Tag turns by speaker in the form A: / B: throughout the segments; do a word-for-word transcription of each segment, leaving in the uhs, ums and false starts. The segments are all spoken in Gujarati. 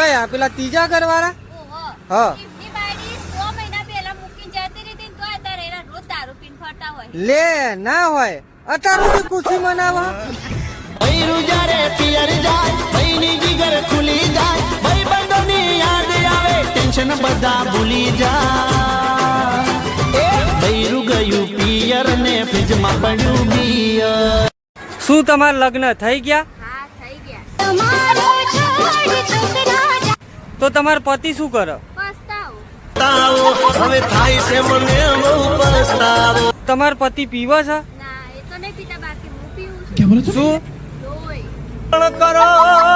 A: કયા પેલા ત્રીજા ઘર વાળા? હા લે ના હોય અત્યારે બી ખુશી મનાવા
B: ટેન્શન બધા ભૂલી જા બૈરું ગયું પિયર ને ફ્રીજમાં પડ્યું બિયર.
A: શું તમારા લગ્ન થઈ ગયા?
C: હા થઈ ગયા.
A: તો તમારો પતિ શું કરે?
C: પસ્તાવો
B: હવે થાય છે મને બહુ પસ્તાવો.
A: તમારો પતિ પીવે છે?
C: ના એ તો નહીં પીતા, બાકી હું પીવું છું.
A: શું
C: લોહી.
B: કરો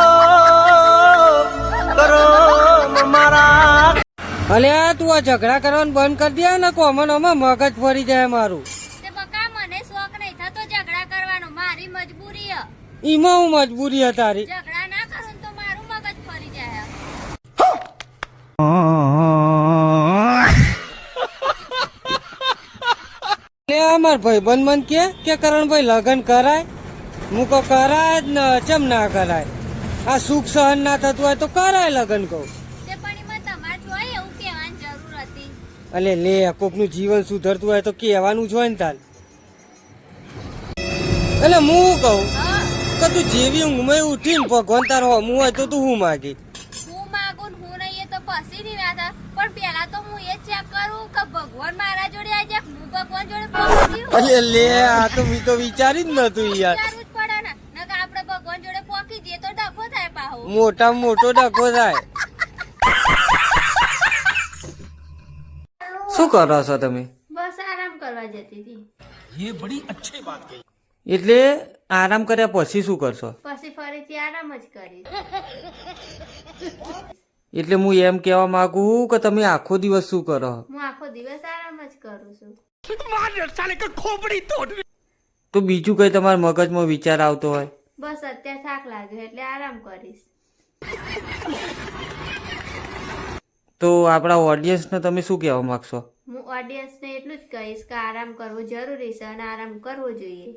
B: કરો મારા
A: અલે તું આ ઝઘડા કરવાનું બંધ કરી દે ને કોમન માં મગજ ફરી જાય મારું.
C: તે બકા મને શોખ નહીં થતો ઝઘડા કરવાનો, મારી મજબૂરી છે.
A: ઈમાં હું મજબૂરી હતી તારી?
C: ઝઘડા ના કરું તો મારું મગજ ફરી જાય.
A: અમાર ભાઈ બંધ મન કે કે કરણભાઈ લગ્ન કરાય? હું કહું કરાય જ ને, ચમ ના કરાય? આ સુખ સહન ના થતું હોય તો કરાય લગ્ન કહું.
C: તે પણ એમાં તમારે જોઈએ એવું કહેવાની જરૂર હતી.
A: અલે લે કોકનું જીવન સુધરતું હોય તો કહેવાનું જ હોય ને તાર. એટલે હું કહું
C: હા
A: કે તું જેવી ઊંઘમાં ઉઠીને ભગવાન તારો હમું હોય તો તું હું માગી?
C: હું માગું ને હું નહીં એ તો પછી ની વાત છે. પણ પેલા તો હું એ ચેક કરું કે ભગવાન મારા જોડે આવી જાય, હું ભગવાન જોડે પહોંચી.
A: અલે લે આ તો મેં તો વિચારી જ નતું યાર.
C: વિચારવું જ પડે ને, નકર આપણે ભગવાન જોડે પહોંચી જઈએ તો ડખો થાય પાહો.
A: મોટામાં મોટો ડખો થાય. શું કરો છો તમે?
C: બસ આરામ કરવા જતી હતી.
A: એટલે આરામ કર્યા પછી શું કરશો?
C: પછી ફરીથી આરામ જ કરીશ.
A: એટલે હું એમ કેવા માંગુ કે તમે આખો દિવસ શું કરો?
C: હું આખો દિવસ આરામ જ કરું છું.
A: તો બીજું કઈ તમારા મગજમાં વિચાર આવતો હોય?
C: બસ અત્યારે થાક લાગ્યો એટલે આરામ કરીશ.
A: તો આપણા ઓડિયન્સને તમે શું કહેવા માંગશો?
C: હું ઓડિયન્સને એટલું જ કહીશ કે આરામ કરવો જરૂરી છે અને આરામ કરવો જોઈએ.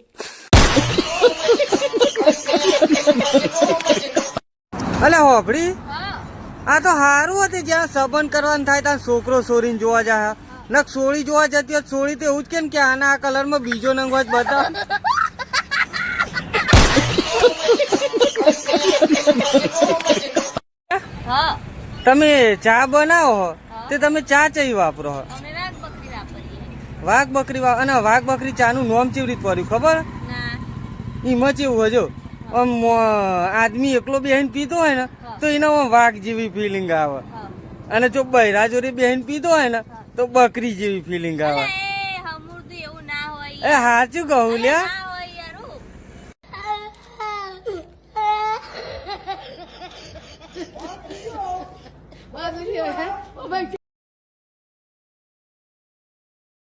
A: અલે હોભળી,
C: હા
A: આ તો સારું હતું જ્યાં સંબંધ કરવાનું થાય ત્યાં છોકરો છોરીને જોવા જાય. નક સોળી જોવા જતી હોય સોળી તો એવું જ કેમ કે આના આ કલર માં બીજો નંગ હોય બતા.
C: હા
A: તમે ચા બનાવો તે તમે ચા ચઈ વાપરો?
C: અમે વાઘ બકરી વાપરીએ.
A: વાઘ બકરી વા અને વાઘ બકરી ચા નું નામ ચેવી રીત પડ્યું ખબર?
C: ના
A: એમાં ચેવું હજો આમ આદમી એકલો બેહીને પીતો હોય ને તો એના વાઘ જેવી ફિલિંગ આવે,
C: હા
A: અને જો બૈરા જોડે બેહીને પીતો હોય ને તો બકરી જેવી ફિલિંગ આવે.
C: એ હમુરદું એવું ના હોય.
A: એ સાચું કહું લ્યા.
C: ના હોય યાર.